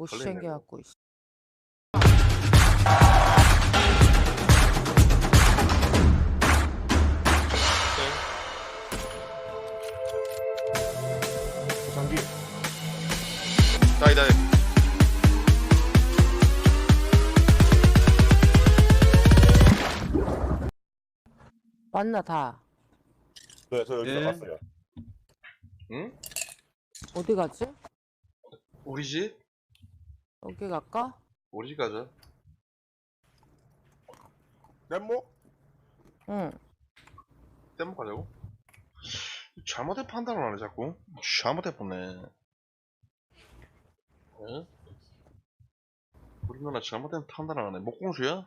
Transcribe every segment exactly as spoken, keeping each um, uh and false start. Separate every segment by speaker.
Speaker 1: 못
Speaker 2: 걸리네,
Speaker 1: 챙겨갖고 있어.
Speaker 3: 장기
Speaker 2: 다이 다이.
Speaker 1: 맞나 다.
Speaker 3: 네, 저 여기서
Speaker 4: 예.
Speaker 3: 왔어요.
Speaker 2: 응?
Speaker 1: 어디 가지?
Speaker 2: 우리 집?
Speaker 1: 여기 갈까?
Speaker 2: 우리 집 가자.
Speaker 3: 램모?
Speaker 1: 응.
Speaker 2: 땜목 가자고? 잘못된 판단을 하네 자꾸. 잘못해보네. 응? 우리 누나 잘못된 판단을 하네. 목공수야?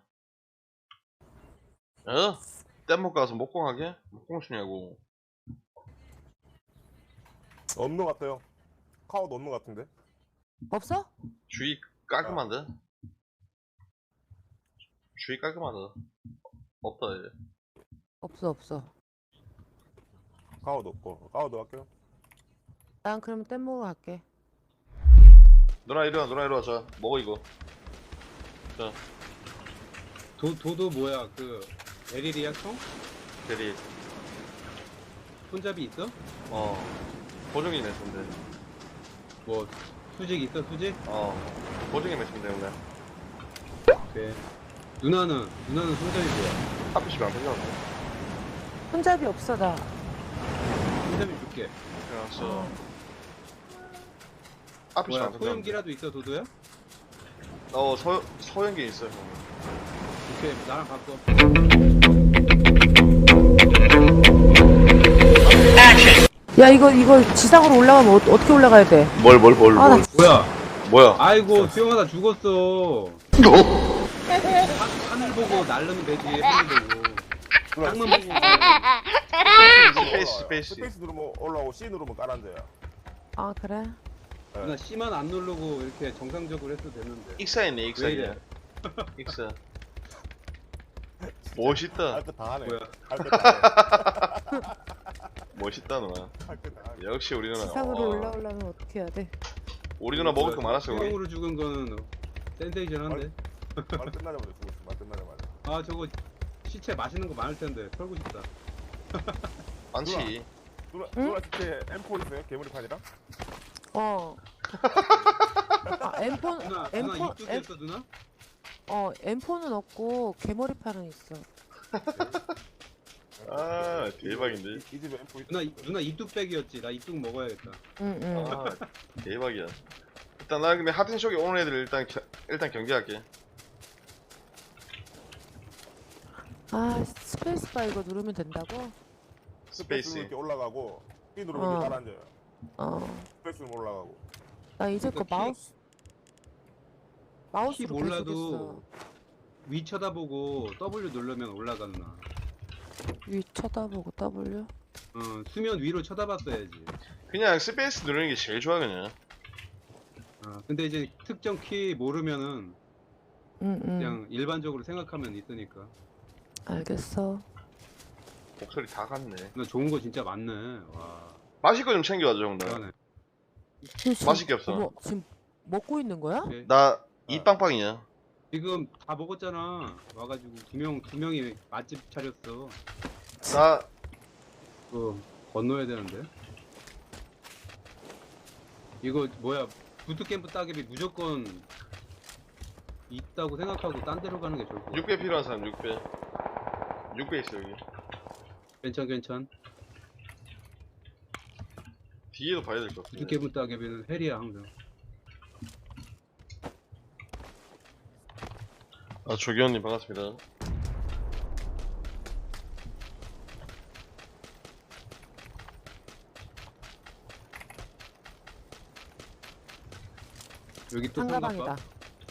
Speaker 2: 어? 땜목 가서 목공하게? 목공수냐고.
Speaker 3: 없는 것 같아요. 카우도 없는 것 같은데.
Speaker 1: 없어?
Speaker 2: 주위 깔끔한데? 주위 깔끔하다. 없다 이제.
Speaker 1: 없어 없어.
Speaker 3: 카우도 없고. 카우도 할게요.
Speaker 1: 난 그러면 뗏 먹으러 갈게.
Speaker 2: 누나 이리와 누나 이리와. 자 먹어 이거. 자
Speaker 4: 도, 도도 뭐야 그 에리리아 총?
Speaker 2: 대리.
Speaker 4: 손잡이 있어?
Speaker 2: 어 보증이 맺으면 돼.
Speaker 4: 뭐 수직 있어 수직?
Speaker 2: 어 보증이 맺으면 돼 원래.
Speaker 4: 네. 누나는 누나는 손잡이 뭐야?
Speaker 2: 하필 안 되잖아.
Speaker 1: 손잡이 없어 나.
Speaker 4: 손잡이 줄게.
Speaker 2: 그래서 앞이
Speaker 4: 뭐야
Speaker 2: 안 된다.
Speaker 4: 소형기라도 있어 도도야?
Speaker 2: 어 서 서연기 있어요.
Speaker 4: 오케이 나랑 바꿔.
Speaker 1: 야 이거 이거 지상으로 올라가면 어, 어떻게 올라가야 돼?
Speaker 2: 뭘 뭘 뭘
Speaker 1: 아, 나
Speaker 2: 뭘?
Speaker 4: 뭐야?
Speaker 2: 뭐야?
Speaker 4: 아이고 수영하다 죽었어. 하, 하늘 보고 날르면 되지 하늘 보고.
Speaker 3: 누나,
Speaker 4: 땅만
Speaker 3: 스페이스
Speaker 4: 보고.
Speaker 3: 누르면
Speaker 2: 스페이스,
Speaker 3: 올라와요.
Speaker 2: 스페이스.
Speaker 3: 스페이스 누르면 올라오고 C 누르면 깔아앉아요.
Speaker 1: 아 그래?
Speaker 4: 누나 C만 안 누르고 이렇게 정상적으로 해도 되는데.
Speaker 2: 익사했네
Speaker 4: 왜
Speaker 2: 익사.
Speaker 4: 이래?
Speaker 2: 익사. 멋있다.
Speaker 3: 할 거 다 하네.
Speaker 4: 뭐야?
Speaker 3: 할 거 다 해.
Speaker 2: 멋있다 누나.
Speaker 3: 할 거 다 하네.
Speaker 2: 역시 우리 누나.
Speaker 1: 지상으로
Speaker 2: 어,
Speaker 1: 올라오려면 어떻게 해야 돼?
Speaker 2: 우리 누나 먹을 거 많았어 우리.
Speaker 4: 수영으로 죽은 거는 센세이션한데.
Speaker 3: 말 끝나자마자 죽었어. 말 끝나자마자.
Speaker 4: 아 저거 시체 맛있는 거 많을 텐데 털고 싶다.
Speaker 2: 많지.
Speaker 3: 누나,
Speaker 1: 응?
Speaker 3: 누나 진짜 엠 포 있어요? 괴물판이랑?
Speaker 1: 어. 아 엠폰
Speaker 4: 누나 누나
Speaker 1: 엠폰
Speaker 4: 입도
Speaker 1: 엠,
Speaker 4: 됐어 누나?
Speaker 1: 어 엠폰은 없고 개머리판은 있어.
Speaker 2: 아 대박인데.
Speaker 3: 이, 이 집에 엠 포 있
Speaker 4: 누나 이- 누나 입뚝백이었지. 나 입뚝 먹어야겠다.
Speaker 1: 응응.
Speaker 2: 아 대박이야. 일단 나 근데 하딘쇼에 오는 애들 일단 겨, 일단 경계할게.
Speaker 1: 아 스페이스바 이거 누르면 된다고?
Speaker 3: 스페이스
Speaker 2: 스페이스.
Speaker 3: 이렇게 올라가고 C 누르면
Speaker 1: 어.
Speaker 3: 이렇게 깔아앉아요.
Speaker 1: 어.
Speaker 3: 스페이스 누르면 올라가고.
Speaker 1: 나 이제 거
Speaker 4: 그러니까 키-
Speaker 1: 마우스 마우스로
Speaker 4: 키
Speaker 1: 계속
Speaker 4: 몰라도 위 쳐다보고 W 누르면 올라가 누나.
Speaker 1: 했어. 위 쳐다보고 W.
Speaker 4: 어 수면 위로 쳐다봤어야지.
Speaker 2: 그냥 스페이스 누르는 게 제일 좋아 그냥.
Speaker 4: 어, 근데 이제 특정 키 모르면은
Speaker 1: 응응.
Speaker 4: 그냥 일반적으로 생각하면 있으니까.
Speaker 1: 알겠어.
Speaker 2: 목소리 다 갔네.
Speaker 4: 나 좋은 거 진짜 많네. 와.
Speaker 2: 마실 거 좀 챙겨와줘 형들.
Speaker 4: 대단해.
Speaker 1: 지금 지금-
Speaker 2: 맛있게 없어.
Speaker 1: 어머, 지금 먹고 있는 거야?
Speaker 4: 오케이.
Speaker 2: 나 이빵빵이야.
Speaker 4: 지금 다 먹었잖아. 와가지고 두 명 두 명이 맛집 차렸어.
Speaker 2: 나
Speaker 4: 그 건너야 되는데. 이거 뭐야? 부트캠프 따개비 무조건 있다고 생각하고 딴 데로 가는 게 좋을 것 같아.
Speaker 2: 육 배 필요한 사람 육 배. 육 배 있어 여기.
Speaker 4: 괜찮 괜찮.
Speaker 2: 뒤에도 봐야 될 것 같아.
Speaker 4: 부트캠프 따개비는 헬이야 항상.
Speaker 2: 아 조기현님 반갑습니다.
Speaker 4: 여기 또
Speaker 1: 상가방이다.
Speaker 4: 상가방.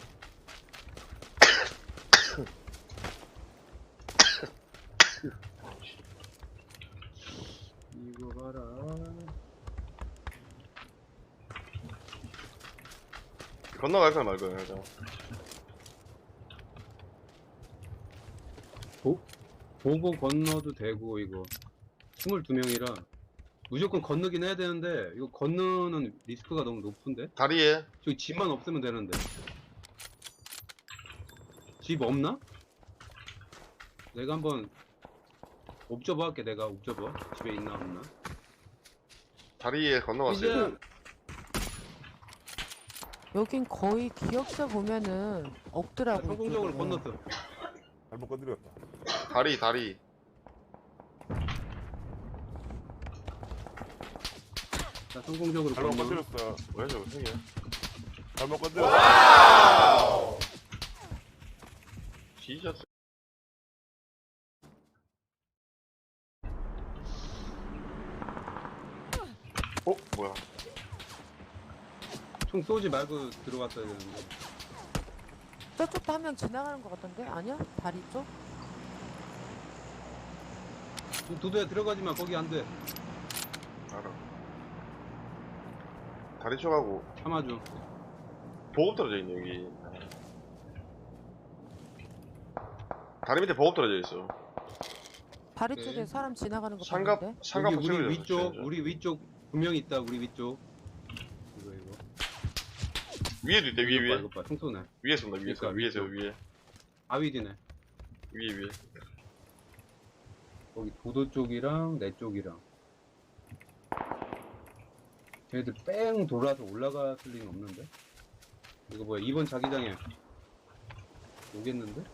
Speaker 4: 이거 봐라.
Speaker 2: 건너갈 거야 말 거야 일단.
Speaker 4: 보, 보고 건너도 되고 이거 스물두 명이라 무조건 건너긴 해야 되는데 이거 건너는 리스크가 너무 높은데?
Speaker 2: 다리에
Speaker 4: 저기 집만 없으면 되는데. 집 없나? 내가 한번 옵저버 할게. 내가 옵저버 집에 있나 없나?
Speaker 2: 다리에 건너갔어요.
Speaker 4: 이제
Speaker 1: 여긴 거의 기억자 보면은 없더라고.
Speaker 4: 성공적으로
Speaker 1: 이쪽은.
Speaker 4: 건넜어.
Speaker 3: 잘못 건드렸다.
Speaker 2: 다리 다리.
Speaker 4: 자, 성공적으로
Speaker 3: 잘못
Speaker 4: 건너.
Speaker 3: 건드렸어.
Speaker 2: 뭐야 저거 생이야?
Speaker 3: 잘못 건드렸어.
Speaker 2: 지졌어. 어 뭐야?
Speaker 4: 총 쏘지 말고 들어갔어야 되는데.
Speaker 1: 저쪽도 한 명 지나가는 것 같던데? 아니야? 다리 쪽?
Speaker 4: 도도야 들어가지 마. 거기 안 돼.
Speaker 2: 알아. 다리 쪽하고
Speaker 4: 참아줘.
Speaker 2: 보급 떨어져 있네 여기. 다리 밑에 보급 떨어져 있어.
Speaker 1: 다리
Speaker 4: 네.
Speaker 1: 쪽에 사람 지나가는 거
Speaker 2: 상갑
Speaker 1: 봤는데?
Speaker 2: 상갑
Speaker 4: 여기 우리
Speaker 2: 붙여야
Speaker 4: 위쪽,
Speaker 2: 돼,
Speaker 4: 우리 위쪽 분명히 있다. 우리 위쪽. 이거 이거.
Speaker 2: 위에도 있대 위에
Speaker 4: 이거 봐,
Speaker 2: 위에
Speaker 4: 이거 봐. 총 쏘네.
Speaker 2: 위에 쏜다 위에서
Speaker 4: 그러니까
Speaker 2: 위에서
Speaker 4: 위쪽.
Speaker 2: 위에
Speaker 4: 아위디네.
Speaker 2: 위에 위에.
Speaker 4: 거기 도도 쪽이랑 내 쪽이랑. 쟤네들 뺑 돌아서 올라갔을 리는 없는데? 이거 뭐야? 이번 자기장에 오겠는데?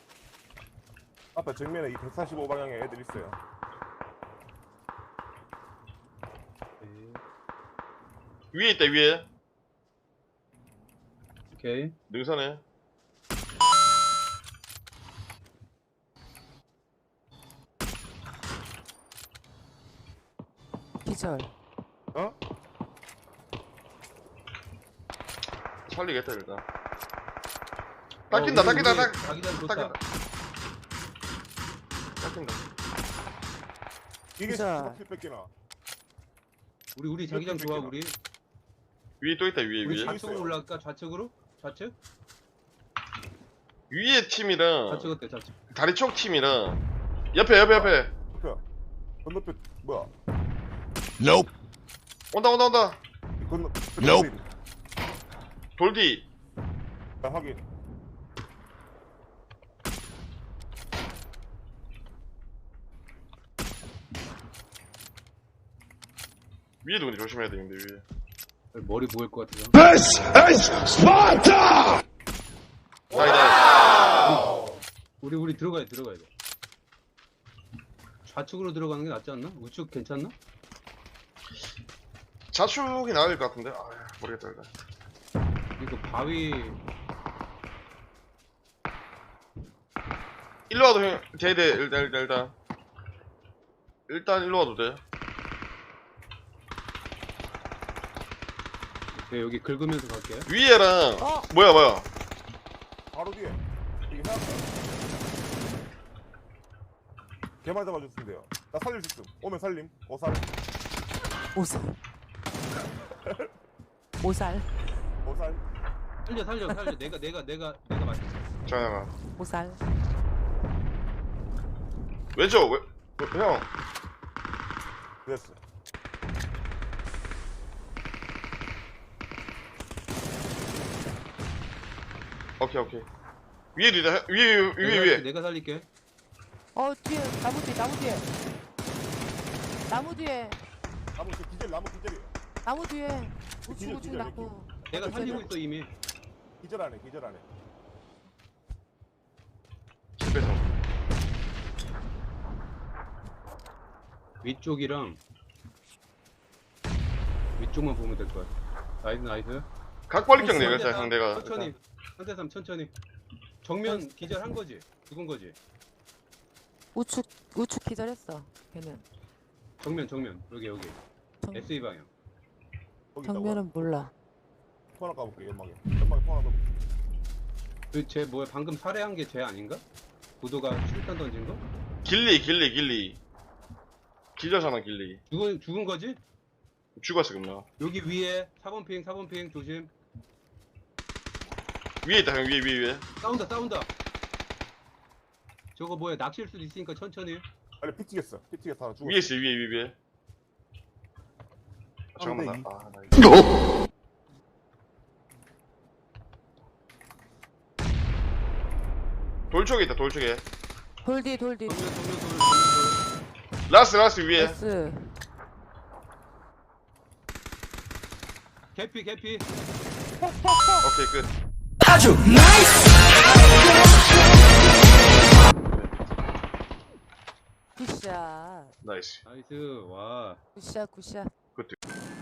Speaker 3: 앞에 정면에 이 백사십오 방향에 애들 있어요.
Speaker 4: 네.
Speaker 2: 위에 있다 위에
Speaker 4: 오케이.
Speaker 2: 능선에.
Speaker 1: 기절.
Speaker 3: 어?
Speaker 2: 살리겠다 일단. 닦인다
Speaker 4: 어, 우리-
Speaker 2: 닦인다
Speaker 4: 우리
Speaker 2: 닦
Speaker 4: 자기장 좋다.
Speaker 2: 닦인다 닦인다.
Speaker 3: 이게
Speaker 1: 진짜.
Speaker 3: 십칠 뺏기나?
Speaker 4: 우리 우리 자기장 좋아. 우리
Speaker 2: 위에 또 있다 위에
Speaker 4: 우리
Speaker 2: 위에
Speaker 4: 좌측으로 올라갈까? 좌측으로? 좌측?
Speaker 2: 위에 팀이랑
Speaker 4: 좌측 어때? 좌측.
Speaker 2: 다리 쪽 팀이랑 옆에 옆에 옆에
Speaker 3: 그 건너편 뭐야?
Speaker 2: 온다 온다 온다.
Speaker 3: 이 건너.
Speaker 5: Nope.
Speaker 2: 돌디.
Speaker 3: 자, 확인.
Speaker 2: 위에도 근데 조심해야 되는데 위에.
Speaker 4: 머리 보일 것 같아서.
Speaker 5: This is Sparta!
Speaker 2: 나이 나이.
Speaker 4: 우리 우리 들어가야 돼, 들어가야 돼. 좌측으로 들어가는 게 낫지 않나? 우측 괜찮나?
Speaker 2: 자축이 나을 것 같은데. 아 모르겠다 일단.
Speaker 4: 이거 바위
Speaker 2: 일로 와도 형 돼돼 일단 일단 일단 일단 일로 와도 돼.
Speaker 4: 네, 여기 긁으면서 갈게.
Speaker 2: 위에랑
Speaker 1: 어?
Speaker 2: 뭐야 뭐야.
Speaker 3: 바로 뒤에. 여기 해놨다. 개만 잡아줬으면 돼요. 나 살릴 수 있음. 오면 살림. 오살.
Speaker 1: 오살. 오살.
Speaker 3: 오살.
Speaker 4: 살려 살려 살려. 내가 내가 내가 내가 맞.
Speaker 2: 자나가
Speaker 1: 오살.
Speaker 2: 왼쪽 왜, 왜, 형
Speaker 3: 됐어.
Speaker 2: 오케이 오케이. 위에도 있다. 위에 위에 위에 위에.
Speaker 4: 내가 살릴게.
Speaker 1: 어, 뒤에, 나무 뒤에, 나무 뒤에. 나무 뒤에,
Speaker 3: 나무 저 기절 나무 기절이에요.
Speaker 1: 나무 뒤에. 우측,
Speaker 3: 기절,
Speaker 1: 우측
Speaker 3: 기절,
Speaker 1: 나무.
Speaker 4: 내가 살리고 있어 이미.
Speaker 3: 기절 안해 기절 안해.
Speaker 2: 집에서.
Speaker 4: 위쪽이랑 위쪽만 보면 될 것 같아. 나이스 나이스.
Speaker 2: 각벌립격 내가
Speaker 4: 상대
Speaker 2: 일단
Speaker 4: 삼,
Speaker 2: 상대가.
Speaker 4: 천천히. 상대 삼 천천히. 정면 기절한 거지. 죽은 거지.
Speaker 1: 우측, 우측 기절했어. 걔는.
Speaker 4: 정면 정면. 여기 여기.
Speaker 1: 정,
Speaker 4: 에스이 방향.
Speaker 3: 거기 있다고.
Speaker 1: 정면은 몰라.
Speaker 3: 포 하나 까볼게 연막에. 연막에 포 하나 더.
Speaker 4: 그쟤 뭐야 방금 살해한 게 쟤 아닌가? 구도가 수류탄 던진 거?
Speaker 2: 길리 길리 길리. 기절사나 길리.
Speaker 4: 죽은 죽은 거지?
Speaker 2: 죽었어 금나.
Speaker 4: 여기 위에 사 번 핑 사 번 핑 조심.
Speaker 2: 위에 있다 형 위에 위에 위에.
Speaker 4: 싸운다 싸운다. 저거 뭐야 낚시일 수도 있으니까 천천히.
Speaker 3: 아니 피 튀겼어. 피 튀겼어 하나 죽었어.
Speaker 2: 위에 있어 위에 위에 위에. 잠깐만
Speaker 3: 이.
Speaker 2: 나. 아, 나 이거. 돌 쪽에 있다. 돌 쪽에.
Speaker 1: 돌디 돌디
Speaker 4: 정면 정면 돌 정면 돌.
Speaker 2: 라스 라스 위에.
Speaker 1: 나이스.
Speaker 4: 개피 개피.
Speaker 2: 오케이 끝.
Speaker 1: 굿샷
Speaker 2: 나이스.
Speaker 4: 나이스 와.
Speaker 1: 굿샷 굿샷.
Speaker 2: 굿.